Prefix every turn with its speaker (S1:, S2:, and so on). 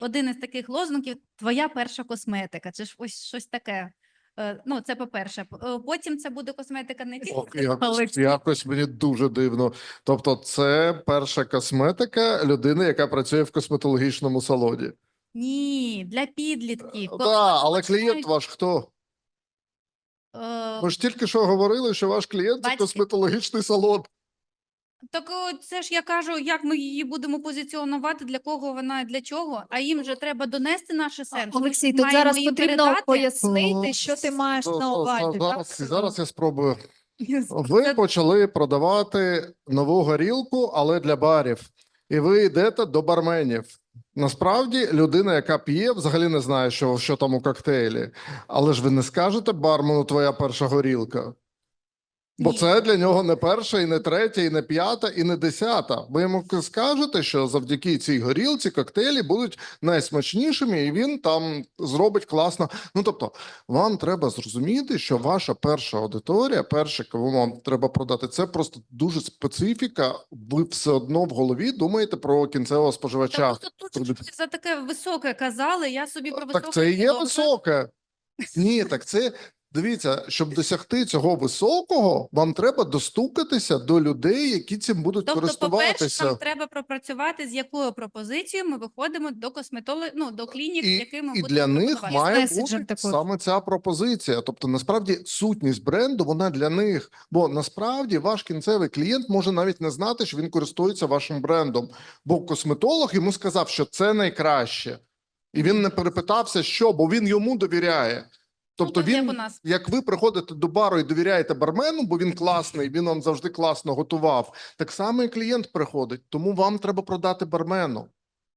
S1: один із таких лозунгів «Твоя перша косметика». Це ж ось щось таке. Ну, це по-перше. Потім це буде косметика не тільки
S2: Якось мені дуже дивно. Тобто це перша косметика людини, яка працює в косметологічному салоні.
S1: Ні, для підлітків.
S2: Так, але клієнт ваш хто? Ми ж тільки що говорили, що ваш клієнт – це
S1: Батьки.
S2: косметологічний салон.
S1: Так це ж я кажу, як ми її будемо позиціонувати, для кого вона, для чого, а їм же треба донести наші сенси.
S3: Олексій, тут
S1: Маємо
S3: зараз
S1: їм
S3: потрібно
S1: передати.
S3: пояснити, що ти маєш на увазі.
S2: Зараз я спробую. Ви почали продавати нову горілку, але для барів. І ви йдете до барменів. Насправді, людина, яка п'є, взагалі не знає, що там у коктейлі. Але ж ви не скажете бармену «твоя перша горілка». Бо
S1: Ні.
S2: це для нього не перша, і не третя, і не п'ята, і не десята. Ви йому скажете, що завдяки цій горілці коктейлі будуть найсмачнішими, і він там зробить класно. Ну, тобто, вам треба зрозуміти, що ваша перша аудиторія, перше, кого вам треба продати, це просто дуже специфіка. Ви все одно в голові думаєте про кінцевого споживача.
S1: Та просто тут ж за таке високе казали, я собі про високе...
S2: Так це і є
S1: добре.
S2: високе. Ні, так це... Дивіться, щоб досягти цього високого, вам треба достукатися до людей, які цим будуть
S1: Тобто, по-перше,
S2: користуватися.
S1: нам треба пропрацювати, з якою пропозицією ми виходимо до до клінік, з якими
S2: І
S1: будемо
S2: для них
S1: пропонувати.
S2: має
S3: Меседжем
S2: бути
S3: також.
S2: саме ця пропозиція. Тобто, насправді, сутність бренду, вона для них. Бо насправді ваш кінцевий клієнт може навіть не знати, що він користується вашим брендом. Бо косметолог йому сказав, що це найкраще. І він не перепитався, що, бо він йому довіряє. Тобто
S1: Ну, як у
S2: він,
S1: нас.
S2: як ви приходите до бару і довіряєте бармену, бо він класний, він вам завжди класно готував, так само і клієнт приходить. Тому вам треба продати бармену.